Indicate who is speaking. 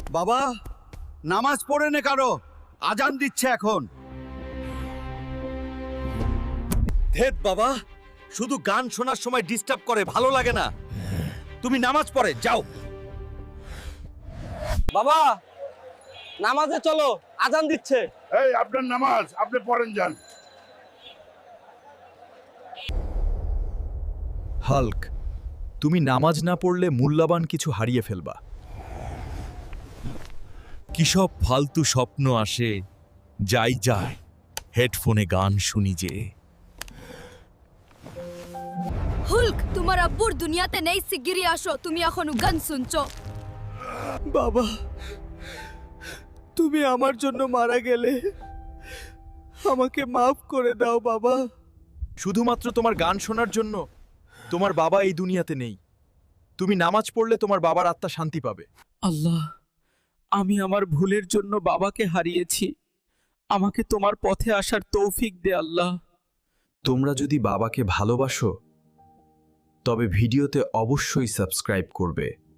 Speaker 1: বাবা, নামাজ পড়ে নে কারো, আজান দিচ্ছে এখন। ধেত বাবা, শুধু গান শোনার সময় ডিস্টার্ব করে, ভালো লাগে না। তুমি নামাজ পড়ে যাও।
Speaker 2: বাবা, নামাজে চলো, আজান দিচ্ছে।
Speaker 3: এই আপনার নামাজ আপনি পড়েন যান।
Speaker 4: হাল্ক, তুমি নামাজ না পড়লে মূল্যবান কিছু হারিয়ে ফেলবা।
Speaker 1: কি সব ফালতু স্বপ্ন আসে, যাই যায়, হেডফোনে গান শুনি যে।
Speaker 5: হুল্ক, তোমার আব্বুর দুনিয়াতে নেই, শিগগিরই আসো, তুমি এখনো গান শুনছো।
Speaker 2: বাবা, তুমি আমার জন্য মারা গেলে, আমাকে মাফ করে দাও বাবা।
Speaker 4: শুধুমাত্র তোমার গান শোনার জন্য তোমার বাবা এই দুনিয়াতে নেই। তুমি নামাজ পড়লে তোমার বাবার আত্মা শান্তি পাবে।
Speaker 2: আল্লাহ, আমি আমার ভুলের জন্য বাবাকে হারিয়েছি, আমাকে তোমার পথে আসার তৌফিক দে আল্লাহ।
Speaker 4: তোমরা যদি বাবাকে ভালোবাসো তবে ভিডিওতে অবশ্যই সাবস্ক্রাইব করবে।